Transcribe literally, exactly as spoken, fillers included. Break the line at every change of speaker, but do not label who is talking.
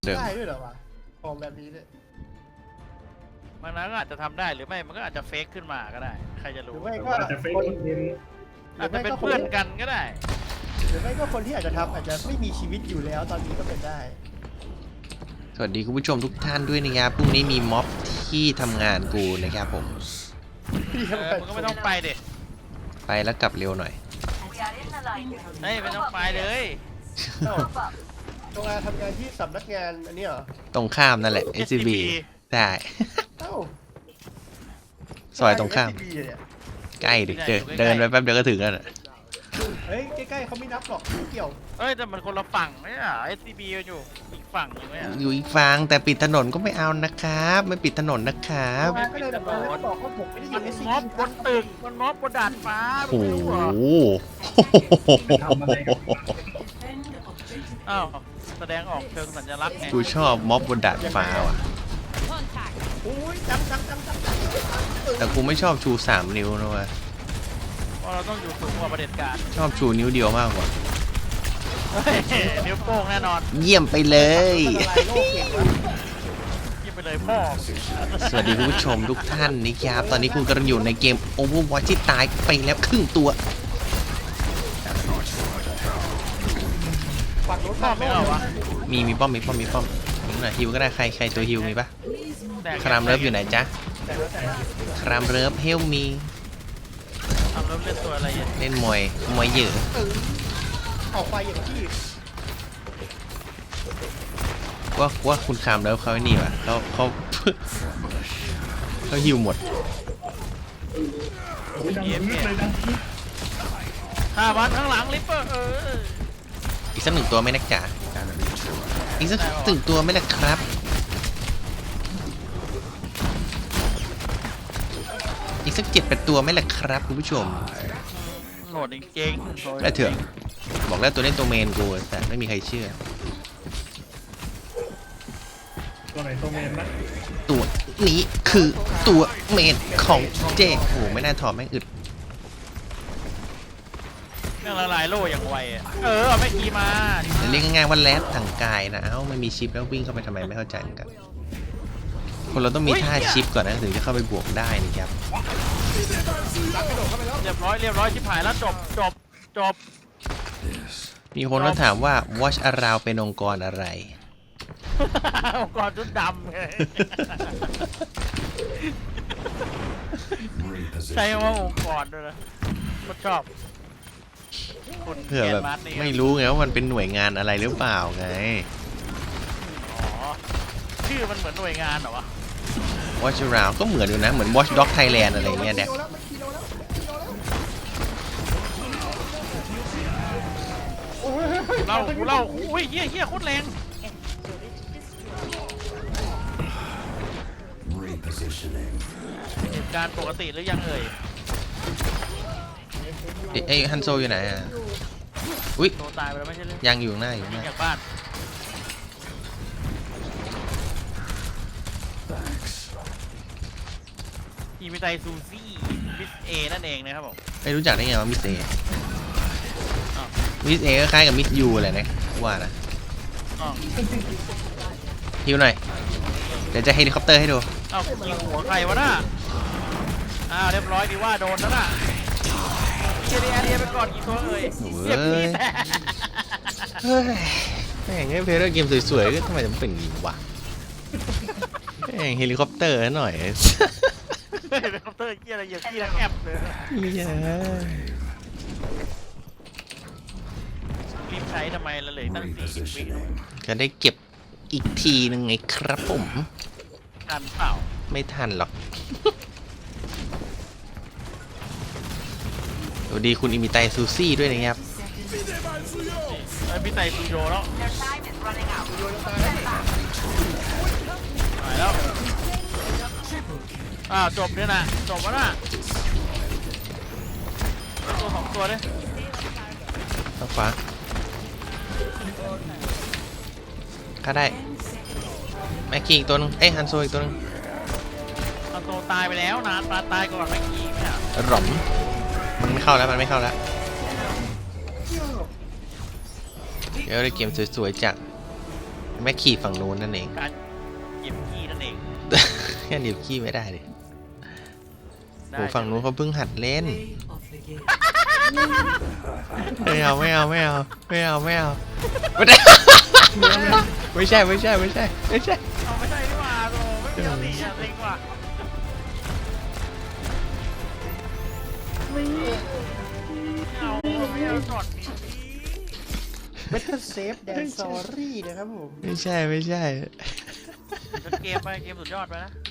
เดิม
ได้ด้วยเหรอวะของแบบนี้เนี่ย
มันนั้นก็อาจจะทำได้หรือไม่มันก็อาจจะเฟกขึ้นมาก็ได้ใครจะ
หรื
รู้
อไม่
แต่
ก็
ว่าจะเฟก
คน
คอนเทนต์
อาจจะเป็นเพื่อนกันก็ได้
หรือไม่ก็คนที่อาจจะทำอาจจะไม่มีชีวิตอยู่แล้วตอนนี้ก็เป็นได้
สวัสดีคุณผู้ชมทุกท่านด้วยนะครับพรุ่งนี้มีม็อบที่ทำงานกูนะครับผม
เออมึงก็ไม่ต้องไปเด็
ไปแล้วกลับเร็วหน่อย
เฮ้ยไม่ต้องไปเลย
เอ้าตรงงานทำงานที่สำนักงานอันนี้เหรอ
ตรงข้ามนั่นแหละ เอส ซี บี ได้
เอ้า
ซอยตรงข้าม
เอส ซี บี เนี่ย
ใกล้ดิเดินเดินไปแป๊บเดียวก็ถึงแล้วน่ะ
เฮ้ยใกล้ๆเขาไม่นับหรอกไม่เกี่ยว
เฮ้ยแต่มันคนละฝั่งไม่ใช่เหรอ เอส ซี บี อยู่อีกฝั่งหนึงไหมอ่ะ
อยู่อีกฝั่งแต่ปิดถนนก็ไม่เอานะครับ ไม่ปิดถนนนะครับ
ก็เลยแบบว่าบอกว่าผมไม่ได้อ
มั
ยู่
น
เอส ซี
ม็อบ
บี
บนตึกมันม็อบบนดาดฟ้า
โอ้
มึง
โห
ไม่รู้เหรอ
ทำอะไรกัน
อ้าวแสดงออกเชิงสัญลักษณ์ไง
กูชอบม็อบบนดาดฟ้าว่ะ
โอ้ยจังจังจังจังจัง
แต่กูไม่ชอบชูสามนิ้วนะเว้ย
เพราะเราต้องอยู่สูงกว่าประเผด็จการ
ชอบชูนิ้วเดียวมากกว่า
เฮ้ยนิ้วโป้งแน่นอน
เยี่ยมไปเลย
ละลายโลกเก่งวะ
ยิงไปเลยพ่อ
สวัสดีคุณผู้ชมทุกท่านนะครับตอนนี้คุณกำลังอยู่ในเกม Overwatch ที่ตายไปแล้วครึ่งตัว
ฝั่งรถ
พ่อไม่เอาวะ
มีมีป้อมมีป้อมมีป้อมยิงหน่อยฮิวก็ได้ใครใครตัวฮิวมีปะ
แตก
ครามเลิฟอยู่ไหนจ๊ะ
แต่แล้วแต่
ครามเลิฟเฮลมี
ทำเลิฟเล่นตัวอะไรอ่ะ
เล่นมวยมวยเหยื่อ
ออกไปอย่างที่
ว่าว่าคุณครามเลิฟเขาไอ้นี่วะเขาเขา เขาฮิวหมด
โอ้ยดังพีดเลยดังพีด
ห้าพันข้างหลังลิปเปอร์เออ
อีกสักหนึ่งตัวไหมนักจ๋าอีกสักหนึ่งตัวไหมล่ะครับ อีกสักเจ็ดแปดตัวไหมล่ะครับคุณผู้ชม
โหดจริงๆ
ได้เถอะบอกแล้วตัวนี้ตัวเมนกูแต่ไม่มีใครเชื่อ
ตัวไหนตัวเมนนะ
ตัวนี้คือตัวเมนของเจโอ้โหไม่น่าถอดแม่งอึด
เรื่องละลายโล่อย่างไวอะเออเอาไม่กี่มา
เรียกง่ายๆว่าแรดทางกายนะเอ้าไม่มีชิปแล้ววิ่งเข้าไปทำไมไม่เข้าใจเหมือนกันคนเราต้องมีท่าชิปก่อนนะถึงจะเข้าไปบวกได้นี่ครับ
เรียบร้อยเรียบร้อยชิบหายแล้วจบจบจบ
มีคนมาถามว่า Watch Around เป็นองค์กรอะไร
องค์กรชุดดำไงใช้คำว่าองค์กรด้วยนะก็ชอบคน
เพื่อแบบ
แกนมาร์ทนี่
ไม่รู้ไงว่ามันเป็นหน่วยงานอะไรหรือเปล่าไง
อ๋อชื่อมันเหมือนหน่วยงานเหรอวะ
Watch Around ก็เหมือนอยู่นะเหมือน Watch Dog Thailand อะไรเงี้ยเนี่ย
แล้วมันกิโลแล้วมันกิโลแล้วโอ้ย
เล่ากูเล่าอุ้ยเฮี้ยเฮี้ยโคตรแรงเหตุการณ์ปกติหรือยังเอ่ย
เอ้ยเอ้ยฮันโซอยู่ไหนอ่ะอุ้ย
โตตายไปแล้วไม่ใช่เรื่อง
ยังอยู่ข้างหน้าอยู่ข้างห
ยิง
น้า
จากบ้านอีมิไตซูซี่มิสเอนั่นเองนะครับผม
ไม่รู้จักได้ไงว่ามิสเอ
อ้าว
มิสเอก็คล้ายกับมิสยูแหละนะว่านะ
อ้าว
ฮิวหน่อยเดี๋ยวจะเฮลิคอปเตอร์ให้ดู
อ้าวยิงหัวใครวะน่ะอ้าวเรียบร้อยดีว่าโดนแล้วน่ะเจเดียเรียไปก่อนกี่ตัวเอ่ย
โอ้
เรียบพี่
ย
แต่
เฮ้ยแม่งให้เพลย์เกมสวยๆก็ทำไมถึงเป็นอย่างนี้วะแม่งเฮลิคอปเตอร์หน่อย
เฮลิคอปเตอร์เกียอะไรเหยียบขี้ทั้งแอปเลย
เย้
รีบใช้ทำไมละเหลยตั้งสี่สิบวิ
จะได้เก็บอีกทีหนึ่งไงครับผม
ทันเปล่า
ไม่ทันหรอกสวัสดีคุณอิมิไตซูซี่ด้วยนะครับ
ไอ้พี่ไตซูโยแล้วหายแล้วอ้าวจบเนี่ยนะจบแล้วนะตัวสองตัวเนี่ย
ต่อฟ้าฆ่าได้แม็กกี้อีกตัวนึงเอ้ยฮันโซอีกตัวนึง
เอาตัวตายไปแล้วนะปลาตายก่อนเมื่อกี้เนี่ย
หล่อมมันไม่เข้าแล้วมันไม่เข้าแล้วเดี๋ยวได้เกมสวยๆจากแม็กขี่ฝั่งนู้นนั่นเอง
การเก็บขี้นั่นเอง
แค่หนีบขี้ไม่ได้เลย
ได้
โอ้ฝั่งนู้นเขาเพิ่งหัดเล่น ไม่เอาไม่เอาไม่เอาไม่เอาไม่เอาไม่ได้ ไม่ใช่ไม่ใช่ไม่ใช่ไม่ใช่
เอาไม่ใช่นี่หว่าโอ้ไม่มีเอาสิอ่ะเล็งว่ะไม่เอาไม่เอาก่อนนี้
เบทเทอร์เซฟแดนซอรี่นะครับผม
ไม่ใช่ไม่ใช่
จนเกมไปเกมสุดยอดไปนะ